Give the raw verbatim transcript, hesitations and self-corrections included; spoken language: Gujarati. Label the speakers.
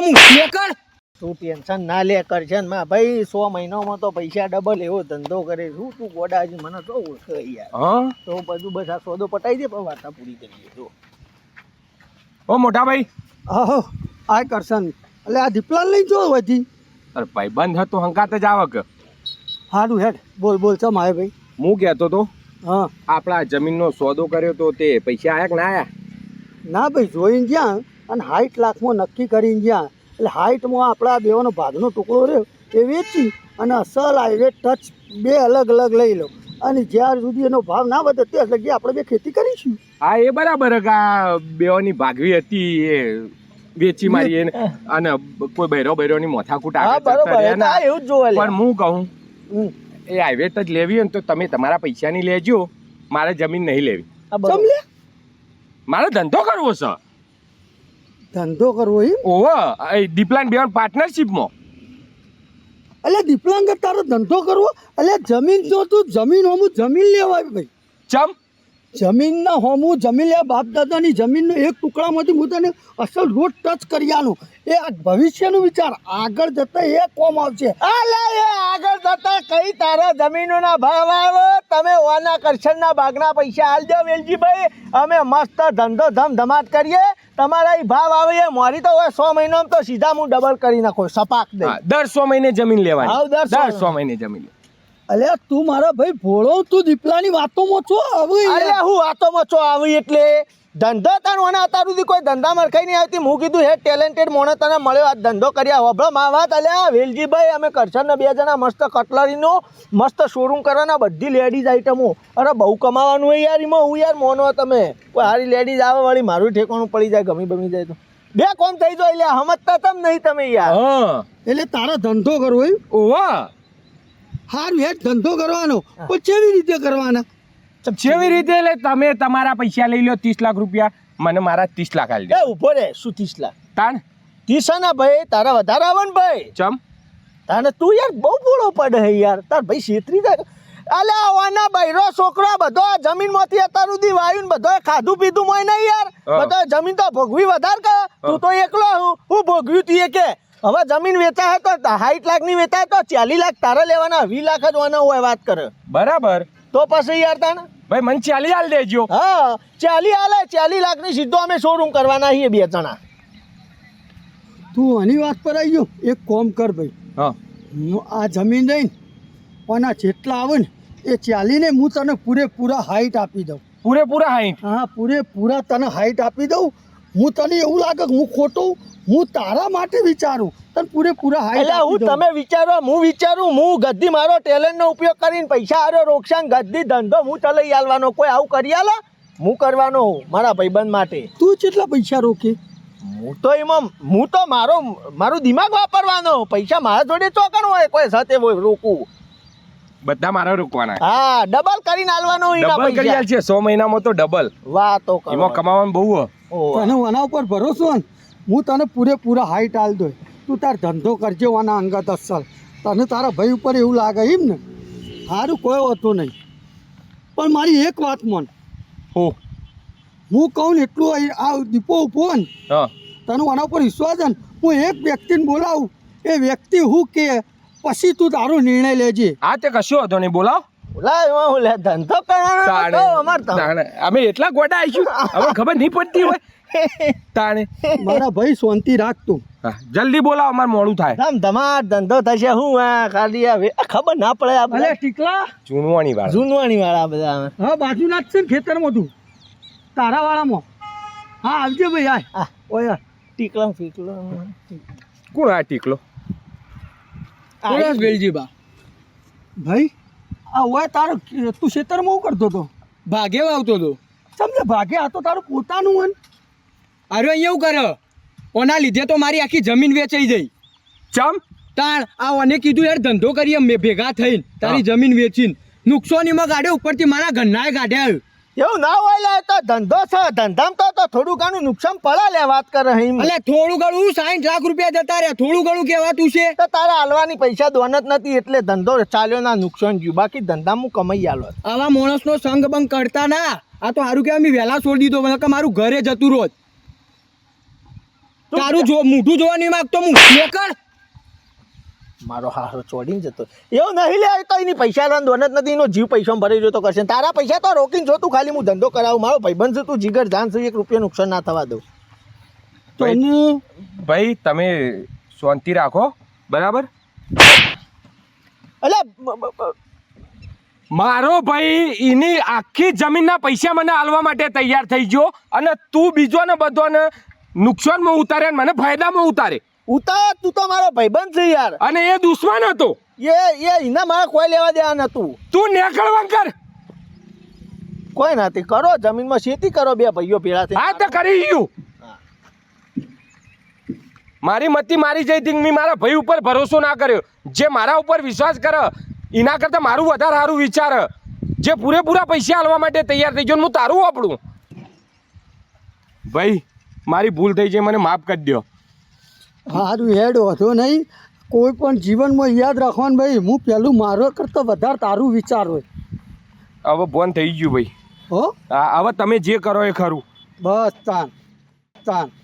Speaker 1: લેકર
Speaker 2: તું ટેન્શન ના લે કરશન માં ભાઈ સો મહિનામાં તો પૈસા ડબલ એવો ધંધો કરે શું તું ગોડાજી મને તો ઓળખે યાર
Speaker 1: હા
Speaker 2: તો બધું બસ આ સોદો પટાઈ દે પણ વાર્તા પૂરી કરીએ જો
Speaker 1: ઓ મોટા ભાઈ
Speaker 3: આહો આ કરશન એટલે આ દીપલાલ લઈ જો વધી
Speaker 1: અરે ભાઈ બંધ હતો હંકાત જ આવ કે
Speaker 3: હારું હેડ બોલ બોલ ચમ આવે ભાઈ
Speaker 1: હું કહેતો તો
Speaker 3: હા
Speaker 1: આપણા જમીનનો સોદો કર્યો તો તે પૈસા આયા કે ના આયા
Speaker 3: ના ભાઈ જોઈને જ્યાં અને સાઠ લાખમાં નક્કી કરીને જ્યાં એટલે હાઈટમાં આપણા બેવાનો ભાગનો ટુકડો રહ્યો એ વેચી અને અસલ હાઈવે ટચ બે અલગ અલગ લઈ લો અને જ્યાર સુધી એનો ભાવ ના વધે ત્યાં લગી આપણે બે ખેતી કરીશું
Speaker 1: હા એ બરાબર કે આ બેઓની ભાગવી હતી એ વેચી મારી એને અને કોઈ બૈરો બૈરોની મોથાકૂટ
Speaker 2: હા
Speaker 1: આગળ
Speaker 2: બરોબર
Speaker 1: જતા રહ્યા
Speaker 2: હા
Speaker 1: ના.
Speaker 2: એવું જ જોવા લે
Speaker 1: પણ હું કહું
Speaker 2: હમ.
Speaker 1: એ હાઈવે જ લેવી હોય ને તો તમે તમારા પૈસાની લેજો મારે જમીન નહીં લેવી
Speaker 2: આ બરોબર.
Speaker 3: ચમ લે
Speaker 1: મારે ધંધો કરવો છે
Speaker 3: ધંધો કરવો એમ
Speaker 1: ઓહો એ દીપલાન બેન પાર્ટનરશિપમાં
Speaker 3: એટલે દીપલાંગ તારો ધંધો કરવો એટલે જમીન જો તું જમીન હોમું જમીન લેવાય ભાઈ
Speaker 1: ચમ
Speaker 3: જમીનના હોમું જમીન લે બાપ દાદાની જમીનનો એક ટુકડામાંથી હું તને અસલ રોડ ટચ કર્યાનું એ આ ભવિષ્યનું વિચાર આગળ જતા એ કોમ આવશે
Speaker 2: અલે એ આગળ જતા કઈ તારા જમીનોના ભાવ આવે તમે ઓના કરશનના ભાગના પૈસા આલજો વેલજીભાઈ અમે મસ્ત ધંધો ધમધમાટ કરીએ તમારા ઈ ભાવ આવે એ મોરી તો હોય સો મહિનામાં તો સીધા હું ડબલ કરી નાખો સપાક દે
Speaker 1: હા, દર સો મહિને જમીન લેવાની
Speaker 2: હાવ, દર સો
Speaker 1: દર સો મહિને જમીન
Speaker 3: અલે તું મારા ભાઈ ભોળો તું દીપલાની વાતોમાં છો હવે
Speaker 2: અરે હું વાતોમાં છો આવી એટલે ધંધો તને ઓના અત્યાર સુધી કોઈ ધંધા મરખાઈ નહીં આવતી હું કીધું હે ટેલેન્ટેડ મોણે તને મળ્યો આ ધંધો કર્યા હોભળો મા વાત અલ્યા વેલજીભાઈ અમે કરશનને બે જણા મસ્ત કટલરીનો મસ્ત શોરૂમ કરવાના બધી લેડીઝ આઈટમો અરે બહુ કમાવાનું હોય યાર એમાં હું યાર મોનો તમે કોઈ સારી લેડીઝ આવે વાળી મારું ઠેકાણું પડી જાય ગમી બમી જાય તો બે કોમ થઈ જાય એટલે સમજતા તમ નહીં તમે યાર
Speaker 1: હા
Speaker 3: એટલે તારો ધંધો કરવો એમ
Speaker 1: ઓહો
Speaker 3: હારું હેઠ ધંધો કરવાનો પણ કેવી રીતે કરવાના
Speaker 1: જેવી રીતે એટલે તમે તમારા પૈસા લઈ લો ત્રીસ લાખ રૂપિયા મને મારા ત્રીસ લાખ આલી
Speaker 2: એ
Speaker 1: દે
Speaker 2: ઉભો રે શું ત્રીસ લાખ
Speaker 1: તાણ
Speaker 2: ત્રીસ ના ભાઈ તારા વધારે આવે ને ભાઈ
Speaker 1: ચમ
Speaker 2: તાને તું યાર બહુ બોળો પડે હે યાર તાર ભાઈ છેતરી જાય અલે આવાના બૈરો છોકરો બધો જમીનમાંથી અત્યાર સુધી વાયુ ને બધો ખાધું પીધું મોય નહીં યાર બધો જમીન તો ભોગવી વધાર કે તું તો એકલો હું હું ભોગવ્યું તું એ કે હવે જમીન વેચાય તો સાઠ લાખ ની વેચાય તો ચાલીસ લાખ તારે લેવાના વીસ લાખ જ વાના હોય વાત કરે
Speaker 1: બરાબર
Speaker 2: તો પછી યાર તાને
Speaker 1: ભાઈ મને ચાલી હાલ દેજો
Speaker 2: હા ચાલી હાલે ચાલીસ લાખ ની સીધો અમે શોરૂમ કરવાના છીએ બે જણા
Speaker 3: તું આની વાત પર આવી ગયો એક કોમ કર ભાઈ
Speaker 1: હા
Speaker 3: હું આ જમીન રહીને આના જેટલા આવે ને એ ચાલીને હું તને પૂરેપૂરા હાઈટ આપી દઉં
Speaker 1: પૂરેપૂરા હાઈટ
Speaker 3: હા પૂરેપૂરા તને હાઈટ આપી દઉં હું તને એવું લાગે કે હું ખોટું હું તારા માટે વિચારું તને પૂરેપૂરા હાઈટ
Speaker 2: એટલે હું
Speaker 3: આપી દઉં
Speaker 2: તમે વિચારો હું વિચારું હું ગદ્દી મારો ટેલેન્ટનો ઉપયોગ કરીને પૈસા આરો રોકશાન ગદ્દી ધંધો હું ચલાવી આલવાનો કોઈ આવું કરી આલે હું કરવાનો હું મારા ભાઈબંધ માટે
Speaker 3: તું કેટલા પૈસા રોકે
Speaker 2: હું તો એમાં હું તો મારો મારું દિમાગ વાપરવાનો પૈસા મારા જોડે ચોકણ હોય કોઈ સાથે હોય રોકવું
Speaker 1: બધા મારા રોકવાના
Speaker 2: હા ડબલ કરીને આલવાનો એના
Speaker 1: ડબલ કરી આલ
Speaker 2: પૈસા
Speaker 1: છે સો મહિનામાં તો ડબલ
Speaker 2: વાતો કરો
Speaker 1: એમાં કમાવાનું બહુ હો
Speaker 2: ઓહ.
Speaker 3: તને આના ઉપર ભરોસો ને હું તને પૂરેપૂરા હાઈટ આલ દઉં તું તાર ધંધો કરજે આના અંગત અસલ તને તારા ભાઈ ઉપર એવું લાગે એમ ને સારું કોઈ હોતું નહીં પણ મારી એક વાત મન
Speaker 1: હો
Speaker 3: હું કહું ને એટલું અહીં આ દીપો ઉભો ને
Speaker 1: હા
Speaker 3: તને આના ઉપર વિશ્વાસ છે ને હું એક વ્યક્તિને બોલાવું એ વ્યક્તિ હું કે પછી તું તારો નિર્ણય લેજે
Speaker 1: આ તે કશો હતો નહીં બોલાવ
Speaker 2: ઓલા એમાં હું લે ધંધો કરવાનો
Speaker 1: તાણે
Speaker 2: તો અમાર તો
Speaker 1: તાણે અમે એટલા ગોડા આવીશું હવે ખબર નહીં પડતી હોય તાણે
Speaker 3: મારા ભાઈ શાંતિ રાખ તું
Speaker 1: હા જલ્દી બોલાવો અમારે મોડું થાય
Speaker 2: ધમ ધમાટ ધંધો થશે હું આ ખાલી આ વે- ખબર ના પડે આ
Speaker 3: અલે
Speaker 2: બધા
Speaker 3: ટીકલા
Speaker 1: ચૂનવાની વાત
Speaker 2: જૂનવાણી વાળા બધા
Speaker 3: હા બાજુના જ છે ને ખેતરમાં તું તારા વાળામાં હા આવજે ભાઈ આય
Speaker 2: આ
Speaker 3: ઓય
Speaker 2: ટીકલા ફીકલો
Speaker 1: કોણ આ ટીકલો
Speaker 3: વેલજીબા ભાઈ આ ઓય તારો તું ખેતરમાં હું કરતો હતો
Speaker 4: ભાગે આવતો હતો
Speaker 3: સમજે ભાગે આ તો તારું પોતાનું હોય ને.
Speaker 4: અરે અહીંયા એવું કરે ઓના લીધે તો મારી આખી જમીન વેચાઈ જઈ
Speaker 1: ચમ
Speaker 4: તાણ આ ઓને કીધું યાર ધંધો કરીએ મેં ભેગા થઈને તારી જમીન વેચીને નુકસાનીમાં ગાડ્યો ઉપરથી મારા ઘરનાએ ગાઢ્યા
Speaker 2: એવું ના હોય લે તો ધંધો છે ધંધામાં તો તો થોડું ઘણું નુકસાન પડે લે વાત કરે અહીં
Speaker 4: એટલે થોડું ઘણું સાઠ લાખ રૂપિયા જતા રહ્યા થોડું ઘણું કહેવાતું છે
Speaker 2: તો તારા હાલવાની પૈસા દોન જ નથી એટલે ધંધો ચાલ્યો ના નુકસાન ગયું બાકી ધંધામાં હું કમાઈ આલો
Speaker 4: આવા માણસનો સંગ બંગ કરતા ના આ તો સારું કહેવાય મેં વહેલા છોડી દીધો કે મારું ઘરે જતું રોજ તારું જો મોઢું જોવા નહીં માંગતો હું નીકળ.
Speaker 2: મારો હારો ચોડીને જતો એવું નહીં લે કઈ નહીં પૈસા લેવાનું દોન જ નથી એનો જીવ પૈસામાં ભરી રહ્યો તો કરશે તારા પૈસા તો રોકીને જો તું ખાલી હું ધંધો કરાવું મારો ભાઈબંધ છે તું જીગર જાન છે એક રૂપિયા નુકસાન ના થવા દઉં
Speaker 1: ભાઈ ભાઈ તમે શાંતિ રાખો બરાબર.
Speaker 2: એટલે બ- બ- બ-
Speaker 1: મારો ભાઈ એની આખી જમીનના પૈસા મને આલવા માટે તૈયાર થઈ ગયો અને તું બીજોને બધોને નુકસાનમાં ઉતારે અને મને ફાયદામાં ઉતારે
Speaker 2: ઉતાર તું તો મારો ભાઈબંધ છે યાર
Speaker 1: અને એ દુશ્મન હતો.
Speaker 2: એ એ એના મારે કોઈ લેવા દેવા નતું
Speaker 1: તું નેકળવા કર.
Speaker 2: કોઈ નથી કરો જમીનમાં ખેતી કરો બે ભાઈઓ ભેળા થઈ
Speaker 1: હા તો કરી ગયું. મારી મતી મારી જઈ હતી મેં મારા ભાઈ ઉપર ભરોસો ના કર્યો. જે મારા ઉપર વિશ્વાસ કરે એના કરતાં મારું વધારે સારું વિચાર જે પૂરેપૂરા પૈસા આલવા માટે તૈયાર થઈ ગયો ને હું તારું વાપરું. ભાઈ મારી ભૂલ થઈ છે મને માફ કરી દો.
Speaker 3: સારું હેડ વધો નહીં કોઈ પણ જીવનમાં યાદ રાખવાનું ભાઈ હું પેલું મારો કરતાં વધારે તારું વિચાર હોય
Speaker 1: હવે બોન થઈ ગયું ભાઈ.
Speaker 3: હો
Speaker 1: હા હવે તમે જે કરો એ ખરું.
Speaker 3: બસ તાન તાન